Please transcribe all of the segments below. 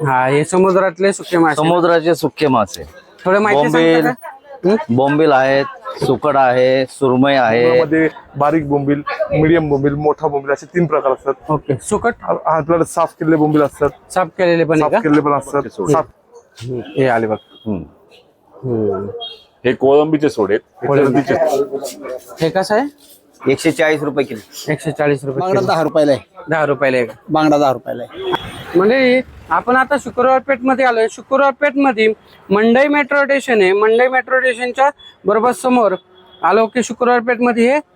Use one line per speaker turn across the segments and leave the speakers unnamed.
हा, हे समुद्रातले सुके मासे.
समुद्राचे सुके मासे.
थोडं माहिती सांगता का?
बोंबील आहेत, सुकड आहे, सुरमई आहे.
मध्ये बारीक बोंबील, मीडियम बोंबील, मोठा बोंबील असे 3 प्रकार असतात.
ओके. सुकट
आपल्याला साफ केलेले बोंबील असतात,
साफ केलेले पण आहे
साफ केलेले पण असतात. साफ
हे आले बघ.
हे कोळंबीचे सोडे
हे कसं आहे?
140 रुपये किलो.
140 रुपये
बांगडा
किलो.
10 रुपयाला आहे.
10 रुपयाला एक.
बांगडा 10 रुपयाला आहे.
म्हणजे आपण आता शुक्रवार पेठ मध्ये आलोय. शुक्रवार पेठ मध्ये मंडई मेट्रो स्टेशन आहे. मंडई मेट्रो स्टेशनच्या बरोबर समोर आलो की शुक्रवार पेठ मध्ये हे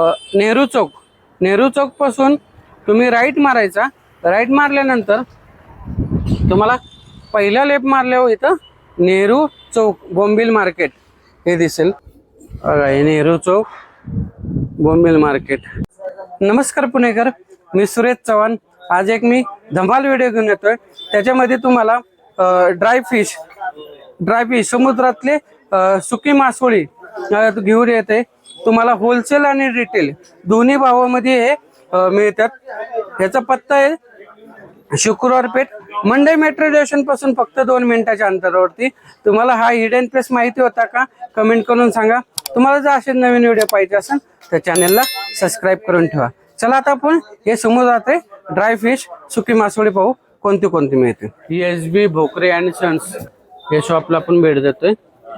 नेहरू चौक पासून तुम्ही राईट मारायचा. राईट मारल्यानंतर तुम्हाला पहिला लेफ्ट मारल्यावर इथं नेहरू चौक बोंबील मार्केट हे दिसेल. बघा, हे नेहरू चौक बोंबील मार्केट. नमस्कार पुणेकर, मी सुरेश चव्हाण. आज एक मी धमाल व्हिडिओ घेऊन येतोय. त्याच्यामध्ये तुम्हाला ड्राय फिश समुद्रातले सुकी मासोळी घेऊन येते. तुम्हाला होलसेल आणि रिटेल दोन्ही भावामध्ये हे मिळतात. ह्याचा पत्ता आहे शुक्रवार पेठ, मंडई मेट्रो स्टेशन पासून फक्त 2 मिनिटाच्या अंतरावरती. तुम्हाला हा हिडन प्लेस माहिती होता का? कमेंट करून सांगा. तुम्हाला जर असे नवीन व्हिडिओ पाहिजे असेल तर चॅनलला सबस्क्राईब करून ठेवा. चला आता आपण हे समुद्रात ड्राय फिश सुकी मासोळी पाहू कोणती मिळते. SB भोकरे अँड सन्स हे शॉपला आपण भेट देतोय.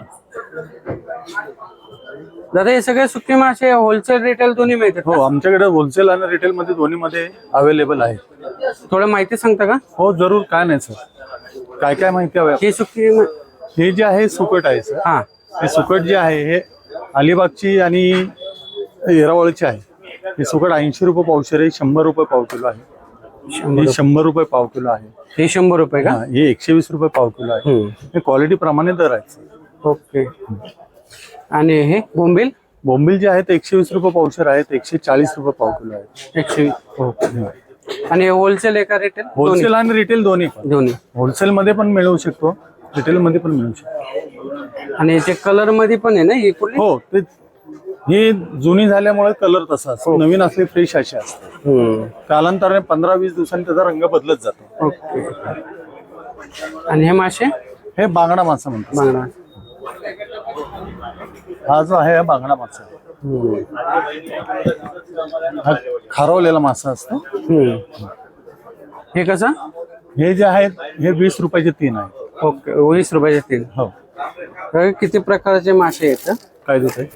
दादा, हे सगळे सुकी मासे होलसेल रिटेल दोन्ही मिळतात?
हो, आमच्याकडे होलसेल आणि रिटेल मध्ये दोन्ही मध्ये अवेलेबल आहे.
थोडं माहिती सांगता का?
हो जरूर, काय नाही सर. काय काय माहिती हवी?
हे सुकी
हे जे आहे सुकट आहे सर.
हा,
हे सुकट जे आहे हे अलिबागची आणि येरावळची आहे. हे सुकट 80 रुपये पावशेर आहे. 100 रुपये पाव किलो आहे. हे 100 रुपये पाव किलो आहे.
हे 100 रुपये का?
हा, हे 120 रुपये पाव किलो आहे. हे क्वालिटी प्रमाणे दर आहे.
ओके. आणि हे
बोंबील जे आहे ते 120 रुपये पावशेर आहेत. 140 रुपये पाव किलो आहे.
120. ओके. आणि होलसेल आहे का रिटेल?
होलसेल आणि रिटेल दोन्ही
दोन्ही.
होलसेल मध्ये पण मिळू शकतो, रिटेल मध्ये पण मिळू शकतो.
आणि ते कलर मध्ये पण आहे ना ही कुठली?
हो, ते ही जुनी झाल्यामुळे कलर तसा असतो. नवीन असले फ्रेश असे असते. कालांतराने 15-20 दिवसांनी त्याचा रंग बदलत जातो.
ओके. आणि हे मासे?
हे बांगडा मासा म्हणतात.
बांगडा.
हा जो आहे हा बांगडा मासा. हा खारवलेला मासा असतो.
हे कसं?
हे जे आहेत हे 20 रुपयाचे 3 आहे.
ओके. 20 रुपयाचे 3.
हो.
तर किती प्रकारचे मासे आहेत?
काय देत आहे?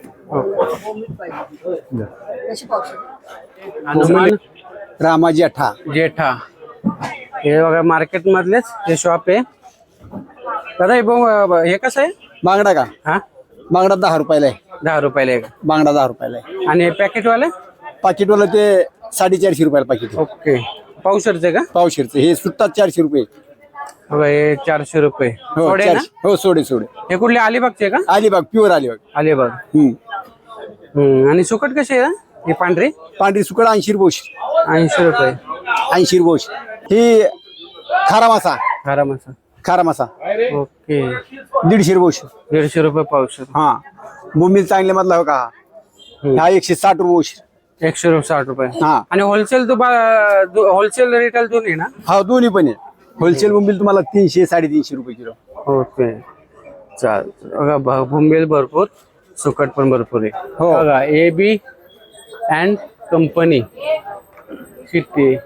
आणि
रामाजी अठा.
जेठा हे बघा मार्केट मधलेच हे शॉप आहे. दादा, हे कसं आहे?
बांगडा का?
हा,
बांगडा 10 रुपयाला आहे.
10 रुपयाला एक.
बांगडा 10 रुपयाला आहे.
आणि पॅकेटवाले?
पाकिटवाला ते 450 रुपयाला पाकिट.
ओके. पावशरचे का?
पावशेरचे हे सुट्टा 400 रुपये.
बघा, हे 400 रुपये.
हो,
थोडे ना?
400. हो, सोडे.
हे कुठले अलिबागचे का?
अलिबाग, प्युअर अलिबाग.
अलिबाग. आणि सुकट कशी आहे? ही पांढरी
पांढरी सुकड 80 रुपये.
80 रुपये.
80 रुपये. ही खारा मासा. खारा मासा
ओके.
150 रुपये.
150 रुपये पावशर.
हा, बोंबील चांगले मधला हो का? हा 160 रुपये.
160 रुपये.
हा.
आणि होलसेल होलसेल रिटेल दोन्ही ना?
हा, दोन्ही पण आहे. होलसेल बोंबील तुम्हाला 300-350 रुपये किलो.
ओके. चाल बघा, बोंबील भरपूर, सुकट पण भरपूर आहे.
हो.
बघा, AB अँड कंपनी सिटी.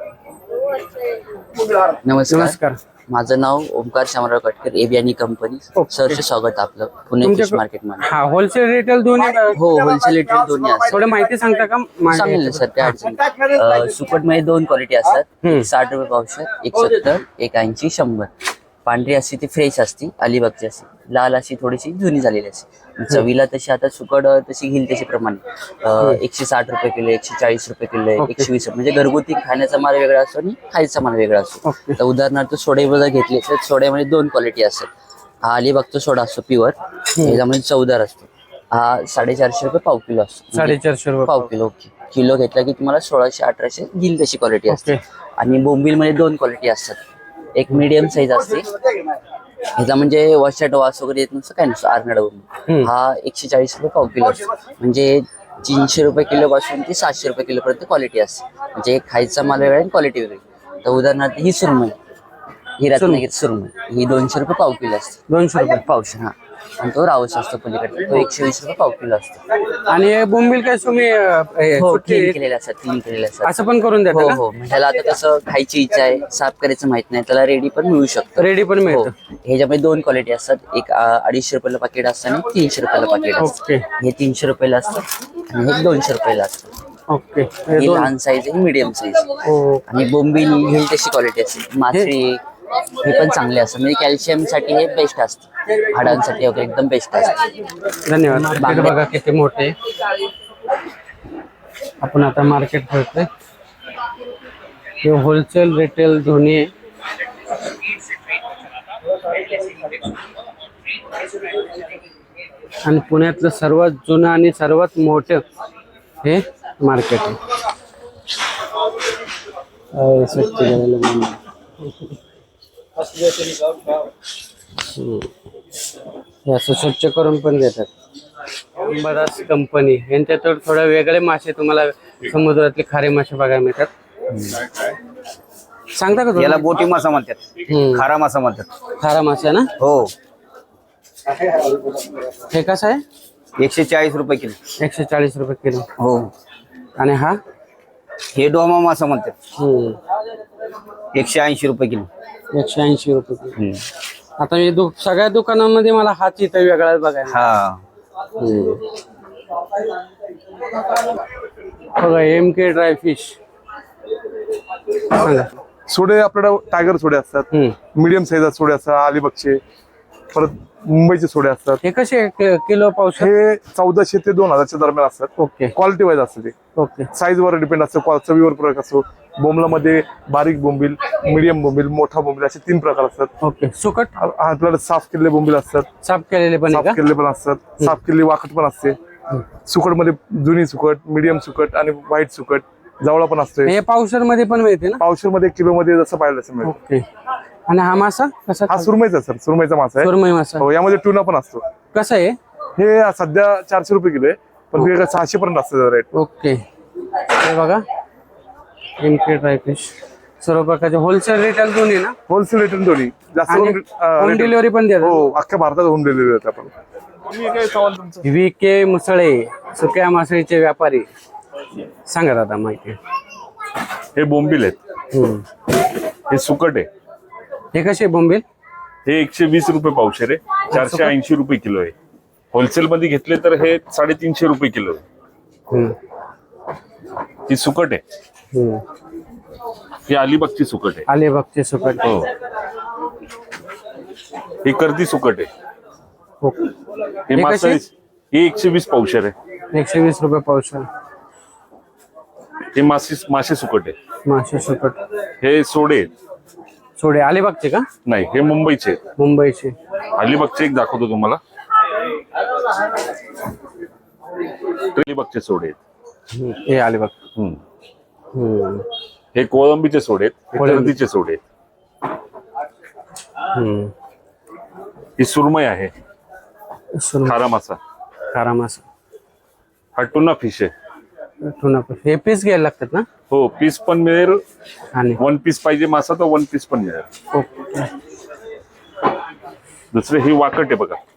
नमस्कार. माझं नाव ओमकार शामराव कटकर, AB आणि कंपनी. सरचे स्वागत आपलं पुणे फिश मार्केट मध्ये.
हा, होलसेल रिटेल दोन्ही?
हो, होलसेल रिटेल दोन्ही असतात.
थोडं माहिती सांगता का?
सांगेल ना सर, त्या अडचणी. सुकट मध्ये 2 क्वालिटी असतात. 60 रुपये पावशेर, 170, 180, 100. पांढरी असते ती फ्रेश असते, अलिबागची असते. लाल अशी थोडीशी जुनी झालेली असते. चवीला तशी आता सुकड तशी घेईल तशी प्रमाणे 160 रुपये किलो, 140 रुपये किलो, 120 म्हणजे घरगुती खाण्याचा माल वेगळा असतो आणि खायचा माल वेगळा असतो. तर उदाहरणार्थ सोडे जर घेतले तर सोड्यामध्ये 2 क्वालिटी असतात. हा अलिबागचा सोडा असतो प्युअर, त्याच्यामध्ये चवदार असतो. हा 450 रुपये पाव किलो असतो.
450 रुपये
पाव किलो. किलो घेतला की तुम्हाला 1600-1800 घेईल तशी क्वालिटी असते. आणि बोंबील मध्ये 2 क्वालिटी असतात. एक मीडियम साईज असते, ह्याचा म्हणजे वॉशट वास वगैरे येत नसतं, काय नसतं. आर्नड बोंबील हा 140 रुपये पाव किलो असतो. म्हणजे 300 रुपये किलो पासून ते 700 रुपये किलो पर्यंत क्वालिटी असते. म्हणजे खायचा माल वेगळा आणि क्वालिटी वेगळी. तर उदाहरणार्थ ही सुरमई ही रत्नागिरी सुरमई ही 200 रुपये पाव किलो असते.
200 रुपये
पावशे हा. आणि तो रावस असतो पलीकडे, तो 120 रुपये पाव किलो असतो.
आणि हे बोंबील काय तुम्ही
हो,
सुट्टी
क्लीन केलेले असतात, क्लीन केलेले असतात.
असं पण करून
हो
देता
हो, म्हणजे त्याला आता कसं खायची इच्छा आहे, साफ करायचं माहित नाही, त्याला रेडी पण मिळू शकतं.
रेडी पण
हो,
मिळतं.
ह्याच्यामध्ये 2 क्वालिटी असतात. एक 250 रुपयाला पाकिट असतं आणि 300 रुपयाला पाकिट असतं.
ओके
हे 300 रुपयाला असतं आणि हे 200 रुपयाला असतं.
ओके. हे
ही
दोन
लहान साईज आहे, मीडियम साईज.
हो.
आणि बोंबील घेईल तशी क्वालिटी असते. मासळी हे पण चांगले असतात, म्हणजे कॅल्शियम साठी हे बेस्ट असतं, हाडांसाठी वगैरे एकदम बेस्ट असतं.
धन्यवाद. मार्केट बघा किती मोठे. आपण आता मार्केट भरतोय. हे होलसेल रिटेल दोन्ही आहे. आणि पुण्यातलं सर्वात जुनं आणि सर्वात मोठं हे मार्केट आहे. स्वच्छ झालेलं बोंबील. हे असं स्वच्छ करून पण देतात. अंबादास कंपनी यांच्यात थोडे वेगळे मासे तुम्हाला समुद्रातले खारे मासे बघायला मिळतात. सांगता का
याला
तुम्ही?
बोटी मासा म्हणतात, खारा मासा म्हणतात.
खारा मासे ना.
हो,
हे कसं आहे?
140 रुपये किलो.
140 रुपये किलो.
हो,
आणि हा
हे डोमा मासा म्हणतात, 180 रुपये किलो.
180 रुपये किलो. आता मी सगळ्या दुकानांमध्ये मला हाच इथं वेगळाच बघायला.
हा,
बघा MK ड्राय फिश. सांगा.
सोडे आपल्याकडे टायगर सोडे असतात, मीडियम साईज सोडे असतात, अलिबागचे, परत मुंबईचे सोडे असतात.
हे कसे किलो पाऊस?
हे 1400 ते 2000 दरम्यान असतात.
ओके
क्वालिटी वाईज असतं ते,
ओके.
साईज वर डिपेंड असतं, चवीवर फरक असतो. बोंबलामध्ये बारीक बोंबील, मीडियम बोंबील, मोठा बोंबील असे 3 प्रकार असतात.
ओके. सुकट
आपल्याकडे साफ केलेले बोंबील असतात,
साफ केलेले पण आहे
साफ
का?
केलेले पण असतात, साफ केलेली वाकट पण असते. सुकट मध्ये जुनी सुकट, मीडियम सुकट आणि व्हाईट सुकट, जवळा पण असते.
हे पावसर मध्ये पण मिळते ना?
पावशेर मध्ये, किलो मध्ये जसं पाहिलं तसं मिळतं.
ओके. आणि हा मासा कसा?
हा सुरमईचा सर, सुरमईचा मासा आहे.
सुरमई मासा
हो, यामध्ये ट्यूना पण असतो.
कसा आहे?
हे सध्या 400 रुपये किलो आहे, पण वेगळं 600 पर्यंत असतं रेट.
ओके. हे बघा MK ड्राय फिश सर्व प्रकारचे होलसेल रिटेल दोन्ही ना?
होलसेल रेट दोन्ही जास्त
आणि होम डिलिव्हरी पण देतात.
हो, अख्ख्या भारतात होम डिलिव्हरी देतात आपण. तुम्ही काय सवाल तुमचं?
VK मुसळे सुक्या मासळीचे व्यापारी. सांगा दादा माहिती.
हे बोंबील आहेत, हे सुकट आहे.
हे कसे बोंबील?
हे 120 रुपये पावशेर आहे, 480 रुपये किलो आहे. होलसेल मध्ये घेतले तर हे 350 रुपये किलो आहे. ही सुकट आहे, ही अलिबागची सुकट आहे.
अलिबागचे सुकट.
हो, ही कर्दी सुकट आहे.
ओके.
हे मासा हे 120 पावशेर आहे.
120 रुपये पावशेर.
हे मासे सुकट आहे.
मासे सुकट.
हे सोडे आहेत.
सोडे अलिबागचे का?
नाही, हे मुंबईचे आहेत.
मुंबईचे.
अलिबागचे एक दाखवतो तुम्हाला. अलिबागचे सोडे आहेत.
हे अलिबाग.
हे कोळंबीचे सोडे आहेत, हे कर्दीचे सोडे आहेत. ही सुरमई आहे, खारा मासा.
खारा मासा.
हा टुना फिश आहे.
Tuna fish. हे पीस घ्यायला लागतात ना?
हो, पीस पण मिळेल.
आणि
1 पीस पाहिजे मासा तर 1 पीस पण मिळेल.
ओके.
दुसरे ही वाकट आहे बघा.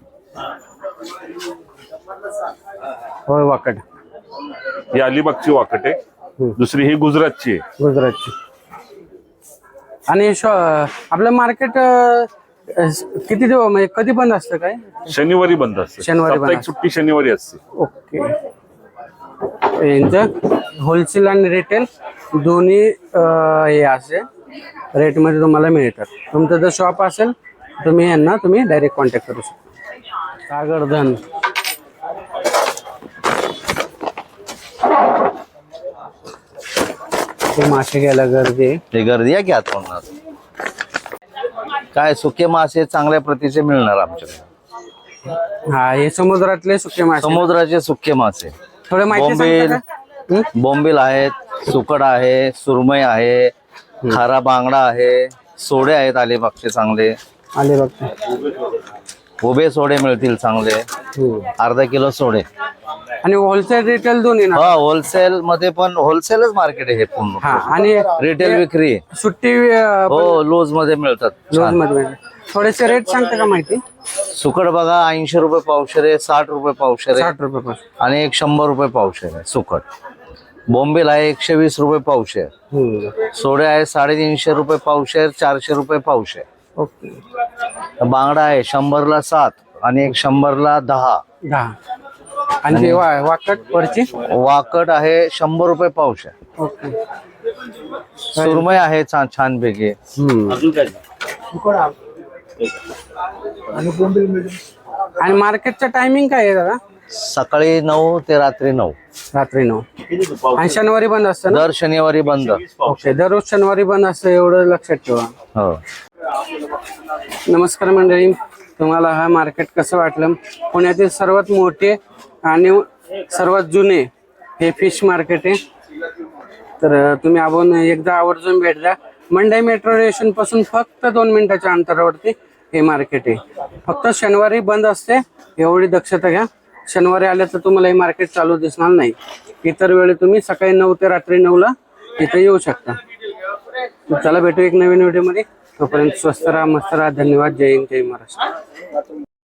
होय वाकड.
ही अलिबागची वाकट आहे. दुसरी ही गुजरातची आहे.
गुजरातची. आणि आपलं मार्केट किती दिवस म्हणजे कधी बंद असतं काय?
शनिवारी बंद असते.
शनिवारी बंद
साप्ताहिक
असते.
सुट्टी शनिवारी असते.
ओके. यांचं होलसेल आणि रिटेल दोन्ही हे असे रेटमध्ये तुम्हाला मिळतात. तुमचं जर शॉप असेल तुम्ही यांना डायरेक्ट कॉन्टॅक्ट करू शकता. सागरधन. मासे घ्यायला गर्दी आहे.
ते गर्दी आहे की आता होणार. काय सुके मासे चांगल्या प्रतीचे मिळणार आमच्याकडे.
हा, हे समुद्रातले सुके मासे.
समुद्राचे सुके मासे,
थोडे माहिती
बोंबील,
सांगता का?
बोंबील आहेत, सुकट आहे, सुरमई आहे, खारा बांगडा आहे, सोडे आहेत अलिबागचे चांगले.
अलिबाग.
उभे सोडे मिळतील चांगले, अर्धा किलो सोडे.
आणि होलसेल रिटेल दोन्ही ना?
हा होलसेल मध्ये पण होलसेलच मार्केट आहे हे पूर्ण.
हा आणि
रिटेल विक्री आहे.
सुट्टी
हो लूज मध्ये मिळतात.
रोज मध्ये थोडेसे रेट सांगता का माहिती?
सुकट बघा 80 रुपये पावशेर आहे, 60 रुपये पावशेर आहे
60 रुपये पासून.
आणि एक 100 रुपये पावशेर आहे सुकट. बोंबील आहे 120 रुपये पावशेर. सोडे आहे 350 रुपये पावशेर, 400 रुपये पावशेर.
ओके.
बांगडा आहे 100ला 7 आणि एक 100ला 10.
10. आणि ते वाकट वरची?
वाकट आहे 100 रुपये पावशेर.
ओके.
सुरमई आहे छानपैकी.
आणि मार्केटचं टायमिंग काय आहे दादा?
सकाळी 9 ते रात्री 9.
रात्री 9. आणि शनिवारी बंद असतं ना?
दर शनिवारी बंद.
ओके. दररोज शनिवारी बंद असतं एवढं लक्षात ठेवा.
हो.
नमस्कार मंडळी, तुम्हाला हा मार्केट कसं वाटलं? पुण्यातील सर्वात मोठे आणि सर्वात जुने हे फिश मार्केट आहे. तर तुम्ही आपण एकदा आवर्जून भेट द्या. मंडई मेट्रो स्टेशन पासून फक्त 2 मिनिटाच्या अंतरावरती हे मार्केट आहे. फक्त शनिवारी बंद असते, एवढी दक्षता घ्या. शनिवारी आल्या तर तुम्हाला हे मार्केट चालू दिसणार नाही. इतर वेळी तुम्ही सकाळी 9 ते रात्री 9ला इथे येऊ शकता. चला भेटू एक नवीन व्हिडिओमध्ये. तोपर्यंत स्वस्त राहा, मस्त राहा. धन्यवाद. जय हिंद, जय महाराष्ट्र.